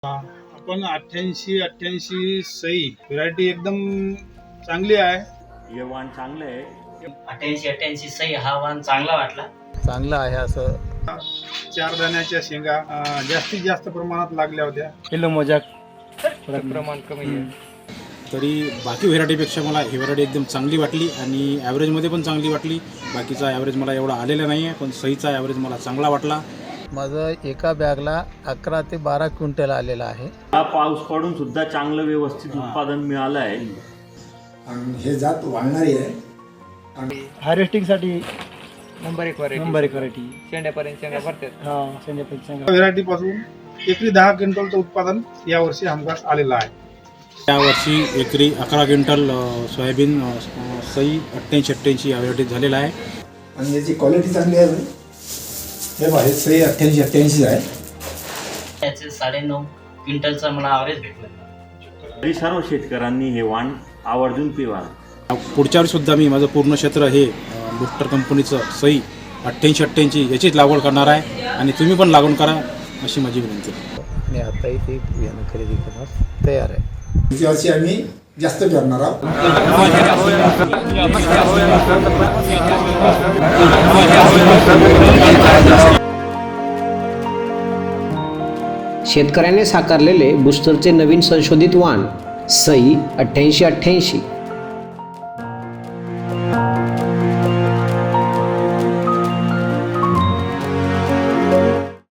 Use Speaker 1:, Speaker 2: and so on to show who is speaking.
Speaker 1: आपण 88 सई व्हरायटी एकदम चांगली आहे.
Speaker 2: हे वाण चांगलं आहे.
Speaker 3: 88 सही हा वाण चांगला वाटला.
Speaker 4: चांगलं आहे. असं
Speaker 1: 4 दाण्याच्या शेंगा जास्तीत जास्त प्रमाणात लागल्या होत्या.
Speaker 5: किलो मोजाक प्रमाण कमी आहे.
Speaker 6: तरी बाकी व्हेरायटीपेक्षा मला ही व्हेरायटी एकदम चांगली वाटली आणि ॲव्हरेजमध्ये पण चांगली वाटली. बाकीचा ॲव्हरेज मला एवढा आलेला नाही आहे, पण सईचा ॲव्हरेज मला चांगला वाटला.
Speaker 4: माझं एका बॅगला 11 ते 12 क्विंटल आलेलं आहे.
Speaker 2: हा पाऊस पडून सुद्धा चांगलं व्यवस्थित उत्पादन मिळालं आहे.
Speaker 7: आणि हे जात वाढणारी आहे.
Speaker 5: हार्वेस्टिंगसाठी नंबर एक व्हरायटी शेंड्यापर्यंत शेंगा भरतात. शेंड्यापर्यंत शेंगा
Speaker 1: व्हरायटी पासून एकरी 10 क्विंटलचं उत्पादन यावर्षी हमखास आलेलं आहे.
Speaker 6: यावर्षी एकरी 11 क्विंटल सोयाबीन सई 88 या व्हेरायटीत झालेला आहे.
Speaker 7: आणि याची क्वालिटी चांगली आहे. हे पहा, हे सई 88 आहे.
Speaker 3: त्याचे 9.5 क्विंटलचा मला ॲव्हरेज भेटला.
Speaker 2: तरी सर्व शेतकऱ्यांनी हे वाण आवर्जून पिवा.
Speaker 6: पुढच्या वेळी सुद्धा मी माझं पूर्ण क्षेत्र हे बुस्टर कंपनीचं सई 88 याचीच लागवड करणार आहे आणि तुम्ही पण लागवड करा अशी माझी विनंती आहे.
Speaker 4: आणि आताही ते बियाणं खरेदी करण्यास तयार आहे.
Speaker 7: पुढच्या वर्षी आम्ही जास्त करणार आहोत.
Speaker 8: शेतकऱ्याने साकारलेले बूस्टरचे नवीन संशोधित वाण सई 8888